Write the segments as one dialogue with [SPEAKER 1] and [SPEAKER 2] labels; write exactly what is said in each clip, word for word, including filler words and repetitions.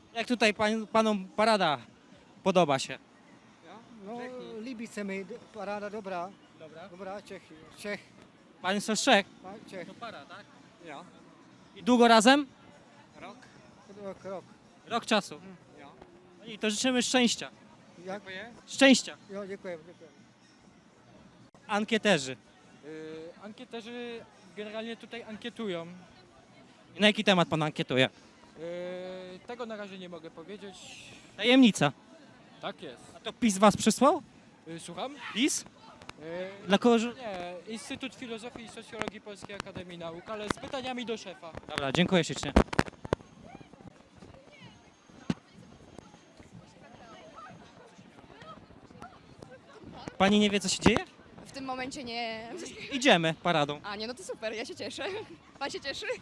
[SPEAKER 1] Jak tutaj pan, panom parada podoba się?
[SPEAKER 2] No, líbí se mi, d- paráda dobrá,
[SPEAKER 1] Dobra.
[SPEAKER 2] dobrá, Čechy, Čech,
[SPEAKER 1] Pan są z Czech?
[SPEAKER 2] pa- Čech,
[SPEAKER 1] To para, tak?
[SPEAKER 2] jo,
[SPEAKER 1] I długo razem?
[SPEAKER 2] rok, rok, rok,
[SPEAKER 1] Rok czasu.
[SPEAKER 2] jo.
[SPEAKER 1] No i to życzymy szczęścia.
[SPEAKER 2] Jak?
[SPEAKER 1] Szczęścia.
[SPEAKER 2] Jo, děkuji, děkuji.
[SPEAKER 1] Ankieterzy.
[SPEAKER 3] Yy, ankieterzy generalnie tutaj ankietują.
[SPEAKER 1] Na jaki temat pan ankietuje?
[SPEAKER 3] Yy, tego na razie nie mogę powiedzieć.
[SPEAKER 1] Tajemnica.
[SPEAKER 3] Tak jest.
[SPEAKER 1] A to PiS was przysłał?
[SPEAKER 3] Yy, słucham?
[SPEAKER 1] PiS?
[SPEAKER 3] Yy,
[SPEAKER 1] Dla kogo? że-
[SPEAKER 3] nie, Instytut Filozofii i Socjologii Polskiej Akademii Nauk, ale z pytaniami do szefa.
[SPEAKER 1] Dobra, dziękuję ślicznie. Pani nie wie, co się dzieje?
[SPEAKER 4] W tym momencie nie.
[SPEAKER 1] Idziemy paradą.
[SPEAKER 4] A nie, no to super, ja się cieszę. Pan się cieszy?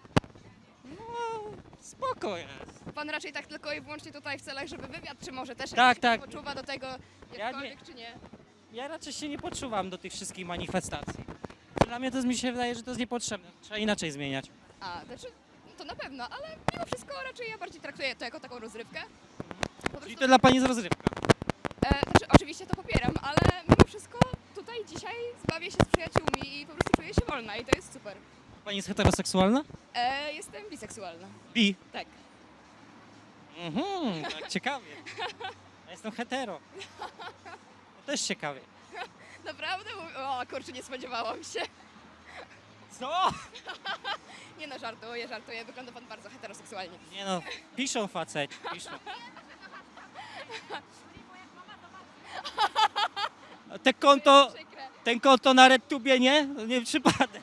[SPEAKER 1] Spoko jest.
[SPEAKER 4] Pan raczej tak tylko i wyłącznie tutaj w celach, żeby wywiad, czy może też
[SPEAKER 1] Tak,
[SPEAKER 4] jakoś
[SPEAKER 1] tak.
[SPEAKER 4] poczuwa do tego jakkolwiek, czy nie?
[SPEAKER 1] Ja raczej się nie poczuwam do tych wszystkich manifestacji. Dla mnie to mi się wydaje, że to jest niepotrzebne. Trzeba inaczej zmieniać.
[SPEAKER 4] A, znaczy, to na pewno, ale mimo wszystko raczej ja bardziej traktuję to jako taką rozrywkę. Po
[SPEAKER 1] Czyli
[SPEAKER 4] prostu,
[SPEAKER 1] to dla pani jest rozrywka.
[SPEAKER 4] e, znaczy, oczywiście to popieram, ale mimo wszystko tutaj dzisiaj zbawię się z przyjaciółmi i po prostu czuję się wolna i to jest super.
[SPEAKER 1] Pani jest heteroseksualna?
[SPEAKER 4] E, jestem biseksualna.
[SPEAKER 1] Bi.
[SPEAKER 4] Tak.
[SPEAKER 1] Mhm, tak ciekawie. Ja jestem hetero. To też ciekawie.
[SPEAKER 4] Naprawdę? O, kurczę, nie spodziewałam się.
[SPEAKER 1] Co?
[SPEAKER 4] Nie no, żartuję, żartuję. Wygląda pan bardzo heteroseksualnie.
[SPEAKER 1] Nie no, piszą faceci, piszą. A te konto,
[SPEAKER 4] Przykre.
[SPEAKER 1] ten konto na RedTubie nie? To nie przypadek.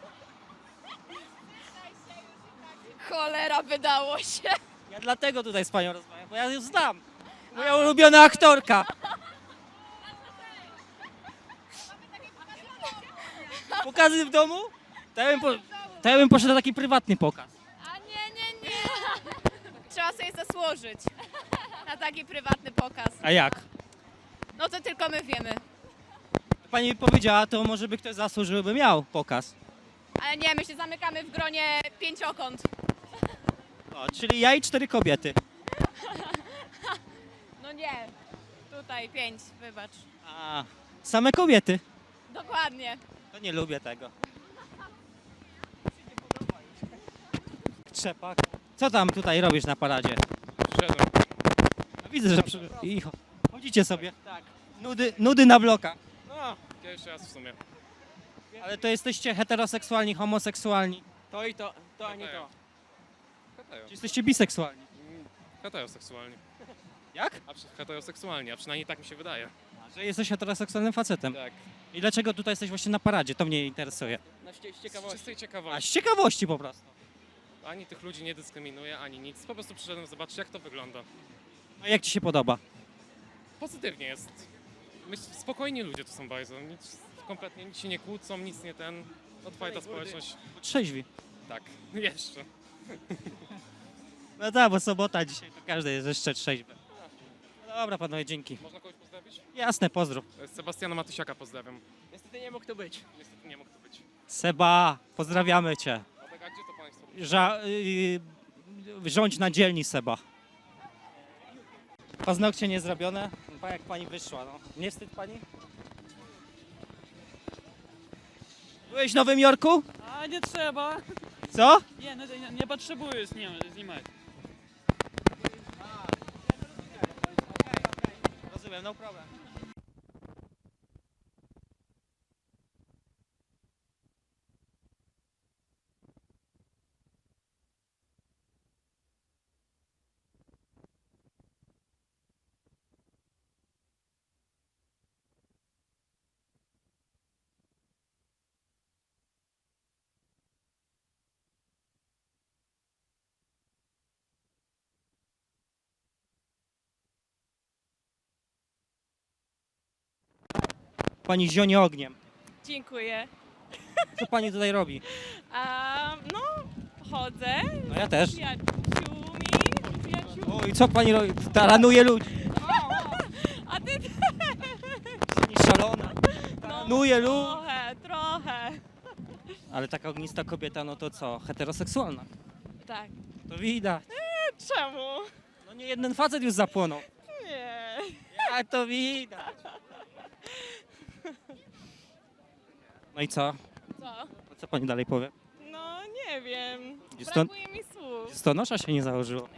[SPEAKER 4] Cholera, wydało się.
[SPEAKER 1] Ja dlatego tutaj z panią rozmawiam, bo ja ją znam. Moja ulubiona aktorka. Pokazy w domu? To ja bym, po, to ja bym poszedł na taki prywatny pokaz.
[SPEAKER 5] A nie, nie, nie. Trzeba sobie zasłużyć na taki prywatny pokaz.
[SPEAKER 1] A jak?
[SPEAKER 5] No to tylko my wiemy.
[SPEAKER 1] Pani mi powiedziała, to może by ktoś zasłużył, by miał pokaz.
[SPEAKER 5] Ale nie, my się zamykamy w gronie pięciokąt.
[SPEAKER 1] O, czyli ja i cztery kobiety.
[SPEAKER 5] No nie. Tutaj pięć, wybacz.
[SPEAKER 1] A, same kobiety.
[SPEAKER 5] Dokładnie.
[SPEAKER 1] To nie lubię tego. Trzepak. Co tam tutaj robisz na paradzie?
[SPEAKER 6] Przyszedłem.
[SPEAKER 1] No, widzę, że przy... I cho- chodzicie sobie.
[SPEAKER 3] Tak.
[SPEAKER 1] Nudy, nudy na blokach.
[SPEAKER 6] No, pierwszy raz w sumie.
[SPEAKER 1] Ale to jesteście heteroseksualni, homoseksualni.
[SPEAKER 3] To i to, to ani to.
[SPEAKER 6] Hetero.
[SPEAKER 1] Czy jesteście biseksualni?
[SPEAKER 6] Mm, Heteroseksualni.
[SPEAKER 1] Jak?
[SPEAKER 6] A przy, heteroseksualni, a przynajmniej tak mi się wydaje.
[SPEAKER 1] A, że jesteś heteroseksualnym facetem.
[SPEAKER 6] Tak.
[SPEAKER 1] I dlaczego tutaj jesteś właśnie na paradzie? To mnie interesuje.
[SPEAKER 3] Na ście- z
[SPEAKER 6] Z
[SPEAKER 3] ciekawości.
[SPEAKER 6] czystej
[SPEAKER 1] A z
[SPEAKER 6] ciekawości.
[SPEAKER 1] ciekawości po prostu.
[SPEAKER 6] Ani tych ludzi nie dyskryminuję, ani nic. Po prostu przyszedłem zobaczyć, jak to wygląda.
[SPEAKER 1] A jak ci się podoba?
[SPEAKER 6] Pozytywnie jest. Myśl, spokojni ludzie tu są bardzo. Nic, kompletnie nic się nie kłócą, nic nie ten. Otwarta społeczność.
[SPEAKER 1] Trzeźwi.
[SPEAKER 6] Tak, jeszcze.
[SPEAKER 1] No tak, bo sobota dzisiaj, to każdy jest jeszcze trzeźwy. No dobra panowie, dzięki.
[SPEAKER 6] Można kogoś pozdrowić?
[SPEAKER 1] Jasne, pozdrów.
[SPEAKER 6] Sebastiana Matysiaka pozdrawiam.
[SPEAKER 3] Niestety nie mógł to być.
[SPEAKER 6] Niestety nie mógł tu być.
[SPEAKER 1] Seba, pozdrawiamy cię.
[SPEAKER 6] A tak, a gdzie to państwo?
[SPEAKER 1] Ża- yy, rządź na dzielni, Seba. Paznokcie nie zrobione. Pa jak pani wyszła, no. Nie wstyd pani? Byłeś w Nowym Jorku?
[SPEAKER 7] A nie trzeba.
[SPEAKER 1] Co?
[SPEAKER 7] Nie, nie, nie, nie potrzebuję znim- znimać.
[SPEAKER 1] Rozumiem, no problem. Pani zionie ogniem.
[SPEAKER 5] Dziękuję.
[SPEAKER 1] Co pani tutaj robi?
[SPEAKER 5] A, no, chodzę
[SPEAKER 1] No ja też.
[SPEAKER 5] z przyjaciółmi. Przyjaciół...
[SPEAKER 1] Oj, co pani robi? Taranuje ludzi.
[SPEAKER 5] A ty
[SPEAKER 1] Pani szalona. Taranuje ludzi.
[SPEAKER 5] trochę, trochę.
[SPEAKER 1] Ale taka ognista kobieta, no to co? Heteroseksualna.
[SPEAKER 5] Tak.
[SPEAKER 1] To widać.
[SPEAKER 5] Czemu?
[SPEAKER 1] No nie jeden facet już zapłonął.
[SPEAKER 8] Nie.
[SPEAKER 1] Jak to widać. No i co?
[SPEAKER 8] Co?
[SPEAKER 1] A co pani dalej powie?
[SPEAKER 8] No nie wiem.
[SPEAKER 1] Gdzie stąd?
[SPEAKER 8] Brakuje mi słów.
[SPEAKER 1] Stonosza się nie założyło.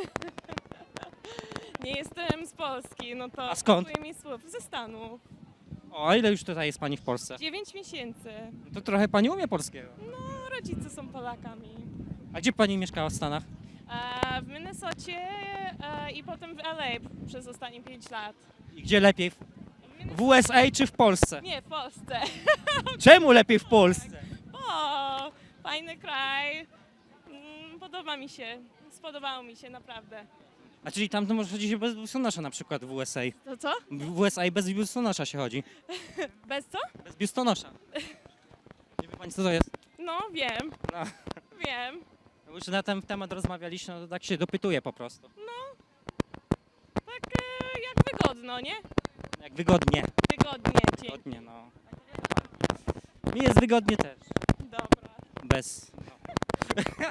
[SPEAKER 8] Nie jestem z Polski, no to
[SPEAKER 1] A skąd?
[SPEAKER 8] brakuje mi słów. Ze Stanów.
[SPEAKER 1] O, a ile już tutaj jest pani w Polsce?
[SPEAKER 8] Dziewięć miesięcy.
[SPEAKER 1] To trochę pani umie polskiego.
[SPEAKER 8] No, rodzice są Polakami.
[SPEAKER 1] A gdzie pani mieszkała w Stanach?
[SPEAKER 8] E, w Minnesocie e, i potem w L A przez ostatnie pięć lat.
[SPEAKER 1] I gdzie lepiej? W
[SPEAKER 8] W Minnes-
[SPEAKER 1] w U S A czy w Polsce?
[SPEAKER 8] Nie, w Polsce.
[SPEAKER 1] Czemu lepiej w Polsce?
[SPEAKER 8] O, fajny kraj. Mm, Podoba mi się. Spodobało mi się, naprawdę.
[SPEAKER 1] A czyli tam to może chodzi się bez biustonosza na przykład w U S A.
[SPEAKER 8] To co?
[SPEAKER 1] W U S A bez biustonosza się chodzi.
[SPEAKER 8] Bez co?
[SPEAKER 1] Bez biustonosza. Nie wie pani co to jest?
[SPEAKER 8] No, wiem.
[SPEAKER 1] No.
[SPEAKER 8] Wiem.
[SPEAKER 1] No już na ten temat rozmawialiśmy, no to tak się dopytuję po prostu.
[SPEAKER 8] Tak e, jak wygodno, nie?
[SPEAKER 1] Jak wygodnie.
[SPEAKER 8] Wygodnie ci.
[SPEAKER 1] Wygodnie, no. Mi jest wygodnie też.
[SPEAKER 8] Dobra.
[SPEAKER 1] Bez. No.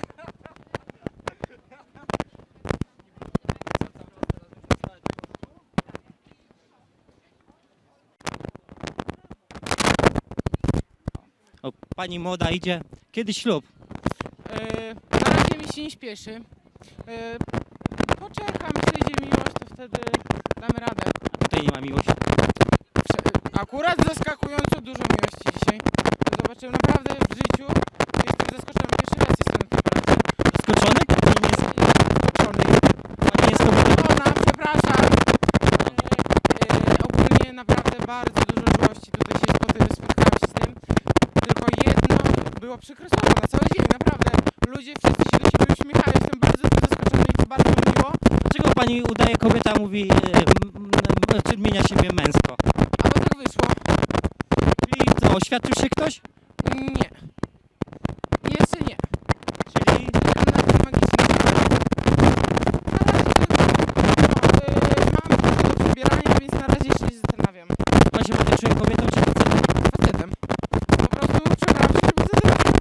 [SPEAKER 1] O, pani młoda idzie. Kiedy ślub?
[SPEAKER 9] E, na razie mi się nie śpieszy. E, poczekam, przyjdzie miłość, to wtedy damy radę.
[SPEAKER 1] Tutaj nie ma miłości.
[SPEAKER 9] Prze- akurat zaskakująco dużo miłości dzisiaj. Zobaczyłem naprawdę w życiu. Jestem zaskoczony. Pierwszy raz jestem na tym paradzie.
[SPEAKER 1] Zaskoczony? Pani nie jest,
[SPEAKER 9] Zaskoczony.
[SPEAKER 1] pani nie jest kobietą.
[SPEAKER 9] Ona, przepraszam. E, e, ogólnie naprawdę bardzo dużo miłości. Tutaj się spoty- spotkałem się z tym. Tylko jedno było przykre słowo na cały dzień, naprawdę. Ludzie wszyscy się do siebie uśmiechają. Jestem bardzo zaskoczony i to bardzo mi miło.
[SPEAKER 1] Dlaczego pani udaje kobieta, a mówi, e, m- m- czy odmienia siebie męsko?
[SPEAKER 9] A bo tak wyszło.
[SPEAKER 1] Czyli co, oświadczył się ktoś?
[SPEAKER 9] Nie. Jeszcze nie.
[SPEAKER 1] Czyli
[SPEAKER 9] Czekam na ten magiczny moment. Na razie no, yy, mam trochę do przebierania, więc na razie jeszcze się zastanawiam.
[SPEAKER 1] pan się bardziej czuje kobietą czy facetem?
[SPEAKER 9] Facetem. Po prostu przebrałam się, żeby zadecydować.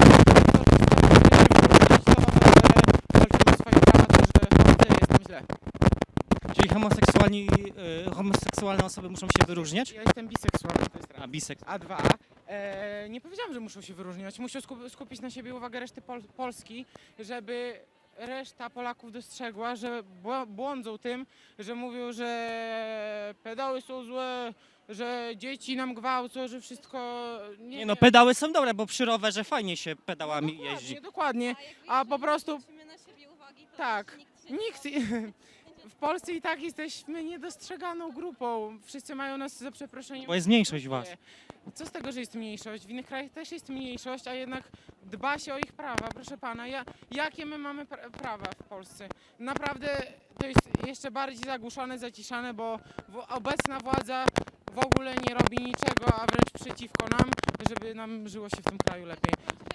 [SPEAKER 9] Walczymy o swoje prawa, to że jestem źle.
[SPEAKER 1] Czyli homoseksualni, e, homoseksualne osoby muszą się wyróżniać?
[SPEAKER 9] Ja jestem biseksualny, to jest raz.
[SPEAKER 1] A bisek.
[SPEAKER 9] A dwa, e, nie powiedziałam, że muszą się wyróżniać. Muszą skup- skupić na siebie uwagę reszty Pol- Polski, żeby reszta Polaków dostrzegła, że bł- błądzą tym, że mówią, że pedały są złe, że dzieci nam gwałcą, że wszystko... Nie,
[SPEAKER 1] Nie no, pedały są dobre, bo przy rowerze fajnie się pedałami jeździ.
[SPEAKER 9] Dokładnie, dokładnie. A po prostu... Tak, nikt... W Polsce i tak jesteśmy niedostrzeganą grupą. Wszyscy mają nas za przeproszeniem.
[SPEAKER 1] Bo jest mniejszość was.
[SPEAKER 9] Co z tego, że jest mniejszość? W innych krajach też jest mniejszość, a jednak dba się o ich prawa. Proszę pana, ja, jakie my mamy pra- prawa w Polsce? Naprawdę to jest jeszcze bardziej zagłuszone, zaciszane, bo w- obecna władza w ogóle nie robi niczego, a wręcz przeciwko nam, żeby nam żyło się w tym kraju lepiej.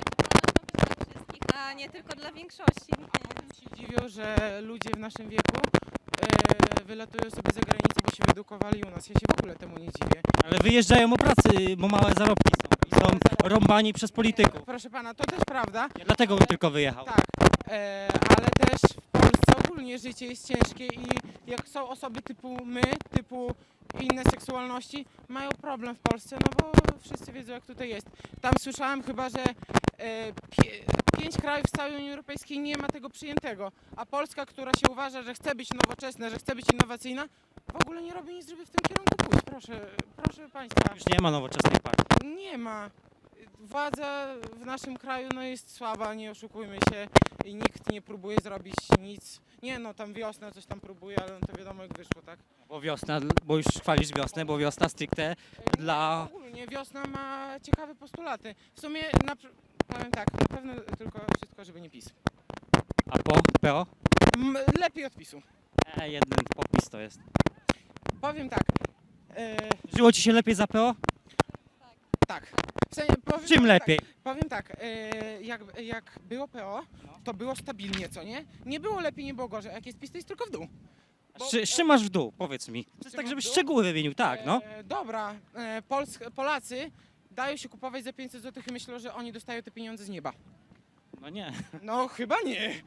[SPEAKER 5] A nie tylko dla większości.
[SPEAKER 9] Się dziwią, że ludzie w naszym wieku e, wylatują sobie za granicę, bo się wyedukowali u nas. Ja się w ogóle temu nie dziwię.
[SPEAKER 1] Ale wyjeżdżają o pracy, bo małe zarobki są. I są rąbani przez polityków.
[SPEAKER 9] Proszę pana, to też prawda.
[SPEAKER 1] Ja dlatego bym tylko wyjechał.
[SPEAKER 9] Tak, e, ale też w Polsce ogólnie życie jest ciężkie i jak są osoby typu my, typu inne seksualności, mają problem w Polsce, no bo wszyscy wiedzą jak tutaj jest. Tam słyszałem chyba, że e, pie, pięć krajów z całej Unii Europejskiej nie ma tego przyjętego, a Polska, która się uważa, że chce być nowoczesna, że chce być innowacyjna, w ogóle nie robi nic, żeby w tym kierunku pójść. Proszę, proszę państwa.
[SPEAKER 1] Już nie ma nowoczesnej partii.
[SPEAKER 9] Nie ma. Władza w naszym kraju no, jest słaba, nie oszukujmy się i nikt nie próbuje zrobić nic. Nie no, tam wiosna coś tam próbuje, ale no, to wiadomo jak wyszło, tak?
[SPEAKER 1] Bo wiosna, bo już chwalisz wiosnę, bo wiosna stricte dla...
[SPEAKER 9] Ogólnie wiosna ma ciekawe postulaty. W sumie, na, pr- powiem tak, na pewno tylko wszystko, żeby nie PiS.
[SPEAKER 1] A po? P O?
[SPEAKER 9] M, lepiej od PiSu.
[SPEAKER 1] E, jeden podpis to jest.
[SPEAKER 9] Powiem tak. E,
[SPEAKER 1] Żyło ci się lepiej za P O?
[SPEAKER 9] tak. W sensie, powiem,
[SPEAKER 1] Czym
[SPEAKER 9] powiem
[SPEAKER 1] lepiej?
[SPEAKER 9] Tak, powiem tak, e, jak, jak było P O, to było stabilnie, co nie? Nie było lepiej, nie było gorzej. A jak jest PiS, to jest tylko w dół. Bo-
[SPEAKER 1] Z, z czym masz w dół? Powiedz mi. To jest
[SPEAKER 9] czym
[SPEAKER 1] tak,
[SPEAKER 9] mam
[SPEAKER 1] żebyś
[SPEAKER 9] w dół?
[SPEAKER 1] szczegóły wymienił, tak, no.
[SPEAKER 9] E, dobra, e, Pols Polacy dają się kupować za pięćset złotych i myślą, że oni dostają te pieniądze z nieba.
[SPEAKER 1] No nie.
[SPEAKER 9] No chyba nie.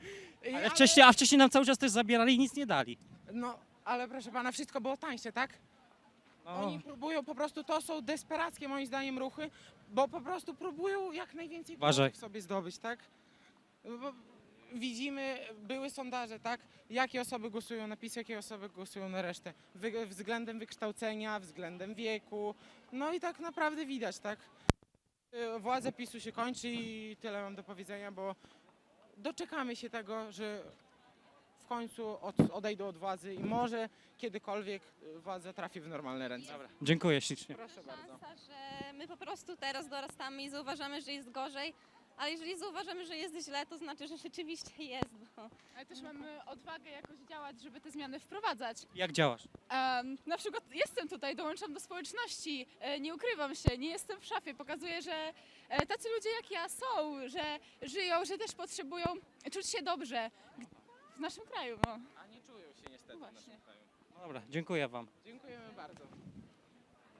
[SPEAKER 9] I-
[SPEAKER 1] Ale wcześniej, a wcześniej nam cały czas też zabierali i nic nie dali.
[SPEAKER 9] No, ale proszę pana, wszystko było tańsze, tak?
[SPEAKER 1] No,
[SPEAKER 9] Oni próbują po prostu, to są desperackie moim zdaniem ruchy, bo po prostu próbują jak najwięcej
[SPEAKER 1] Uważaj.
[SPEAKER 9] głosów sobie zdobyć, tak? Bo widzimy, były sondaże, tak? Jakie osoby głosują na PiS, jakie osoby głosują na resztę. Wy, względem wykształcenia, względem wieku. No i tak naprawdę widać, tak? Y, Władza PiSu się kończy i tyle mam do powiedzenia, bo doczekamy się tego, że w końcu od, odejdą od władzy i może kiedykolwiek y, władza trafi w normalne ręce. Dobra.
[SPEAKER 1] dziękuję ślicznie.
[SPEAKER 9] Proszę bardzo.
[SPEAKER 10] Szansa, że my po prostu teraz dorastamy i zauważamy, że jest gorzej, ale jeżeli zauważamy, że jest źle, to znaczy, że rzeczywiście jest. Bo...
[SPEAKER 4] Ale też mamy odwagę jakoś działać, żeby te zmiany wprowadzać.
[SPEAKER 1] Jak działasz?
[SPEAKER 4] Um, na przykład jestem tutaj, dołączam do społeczności, e, nie ukrywam się, nie jestem w szafie. Pokazuję, że e, tacy ludzie jak ja są, że żyją, że też potrzebują czuć się dobrze w naszym kraju. No.
[SPEAKER 9] A nie czują się niestety
[SPEAKER 4] No
[SPEAKER 9] w
[SPEAKER 4] właśnie.
[SPEAKER 9] naszym kraju.
[SPEAKER 1] Dobra, dziękuję wam.
[SPEAKER 9] Dziękujemy bardzo.